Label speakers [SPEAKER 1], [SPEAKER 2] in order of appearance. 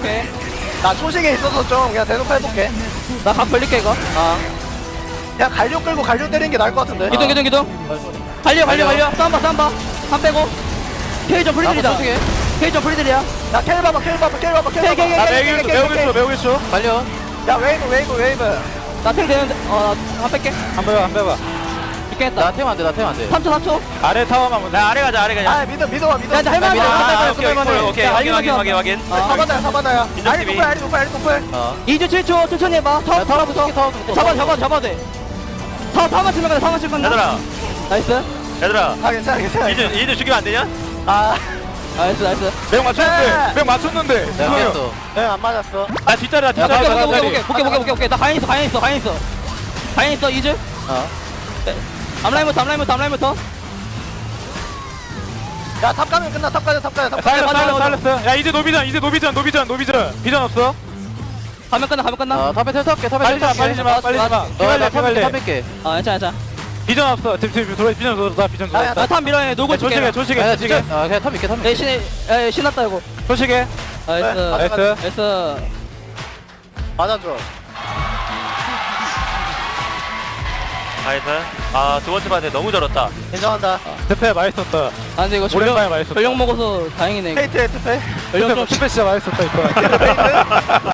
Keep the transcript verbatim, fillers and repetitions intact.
[SPEAKER 1] 오케이.
[SPEAKER 2] 나 초식에 있어서 좀 그냥 대놓고 해볼게.
[SPEAKER 1] 나 각 벌릴게 이거. 아.
[SPEAKER 2] 그냥 갈려 끌고 갈려 때리는 게 나을 것 같은데.
[SPEAKER 1] 기둥 기둥 기둥. 갈려 갈려 갈려. 싸움봐 싸움봐. 한 빼고. 케이저 프리들이다. 케이저 프리들이야.
[SPEAKER 2] 야 켈 봐봐 켈 봐봐 켈 봐봐 켈
[SPEAKER 1] 켈, 켈,
[SPEAKER 2] 봐봐.
[SPEAKER 1] 켈,
[SPEAKER 2] 나
[SPEAKER 1] 켈,
[SPEAKER 2] 매우
[SPEAKER 1] 켈,
[SPEAKER 2] 매우
[SPEAKER 1] 켈,
[SPEAKER 2] 매우
[SPEAKER 1] 켈.
[SPEAKER 2] 매우 쳐.
[SPEAKER 1] 갈려.
[SPEAKER 2] 야 웨이브 웨이브 웨이브.
[SPEAKER 1] 나탱 되는데. 어한 뺄게.
[SPEAKER 3] 한 빼봐 한 빼봐.
[SPEAKER 1] 죽겠다.
[SPEAKER 3] 나 태면 안돼 나 태면 안돼.
[SPEAKER 1] 삼 초 삼 초.
[SPEAKER 3] 아래 타워만 보자.
[SPEAKER 4] 나 아래 가자 아래 가자.
[SPEAKER 2] 아 믿어 믿어봐 믿어.
[SPEAKER 1] 야, 나 할만해.
[SPEAKER 3] 아,
[SPEAKER 1] 할만해.
[SPEAKER 4] 오케이 오케이 오케이 확인 확인 확인 확인.
[SPEAKER 1] 아.
[SPEAKER 2] 사바다야 사바다야.
[SPEAKER 4] 인정
[SPEAKER 2] 아리
[SPEAKER 4] 티비.
[SPEAKER 2] 높을 아리 높을 아리 높을.
[SPEAKER 3] 어.
[SPEAKER 1] 이 주 칠 초 천천히 해봐. 타워 타워부터.
[SPEAKER 3] 타워부터.
[SPEAKER 1] 잡아 잡아 잡아 돼. 타워 타워만 치면 돼. 타워만 치면 돼.
[SPEAKER 4] 얘들아
[SPEAKER 1] 나이스.
[SPEAKER 4] 얘들아
[SPEAKER 2] 아 괜찮아 괜찮아.
[SPEAKER 4] 이제 이제 죽이면 안 되냐?
[SPEAKER 2] 아.
[SPEAKER 1] 나이스 나이스.
[SPEAKER 3] 명 맞췄는데.
[SPEAKER 2] 네.
[SPEAKER 3] 명 맞췄는데. 내가 깼어.
[SPEAKER 2] 네안 맞았어.
[SPEAKER 4] 아 뒷자리야
[SPEAKER 1] 오케이
[SPEAKER 4] 뒷자리.
[SPEAKER 1] 오케이 오케이 오케이 오케이 오케이 오케이. 나 가인 있어 가인 있어 가인 있어. 가인 있어 이즈.
[SPEAKER 3] 어.
[SPEAKER 1] 앞라인부터 앞라인부터 앞라인부터.
[SPEAKER 2] 야탑 가면 끝나 탑 가자 탑 가자 탑
[SPEAKER 3] 살렸어
[SPEAKER 2] 가자.
[SPEAKER 3] 살렸어 살렸어. 야 이제 노비전 이제 노비전 노비전 노비전. 비전 없어?
[SPEAKER 1] 가면 끝나 가면 끝나.
[SPEAKER 3] 어 탑에 탈게 탑에
[SPEAKER 4] 빨리 마, 빨리 마,
[SPEAKER 3] 빨리 마.
[SPEAKER 1] 어,
[SPEAKER 3] 피갈래 피갈래. 탑에
[SPEAKER 1] 아 괜찮아 괜찮아.
[SPEAKER 3] 비전 없어. 지금 지금 돌아 비전 돌아 비전
[SPEAKER 2] 야,
[SPEAKER 3] 돌아.
[SPEAKER 2] 야,
[SPEAKER 1] 나탑 밀어내 놀고
[SPEAKER 3] 조식해
[SPEAKER 1] 줄게.
[SPEAKER 3] 조식해 조식해. 아 그냥 탑 있게 탑
[SPEAKER 1] 에
[SPEAKER 3] 있게.
[SPEAKER 1] 신에 에 신났다 이거.
[SPEAKER 3] 조식해.
[SPEAKER 1] 나이스.
[SPEAKER 2] 네,
[SPEAKER 3] 나이스.
[SPEAKER 1] 나이스.
[SPEAKER 2] 맞아줘.
[SPEAKER 4] 나이스. 아두 번째 반에 너무 절었다.
[SPEAKER 2] 인정한다.
[SPEAKER 3] 스페 맛있었다.
[SPEAKER 1] 아 근데 이거
[SPEAKER 3] 오랜만에
[SPEAKER 1] 전력
[SPEAKER 3] 맛있었다.
[SPEAKER 1] 전력 먹어서 다행이네. 이거.
[SPEAKER 2] 페이트에 투페.
[SPEAKER 1] 전력 좀
[SPEAKER 3] 스페 진짜 맛있었다 이거.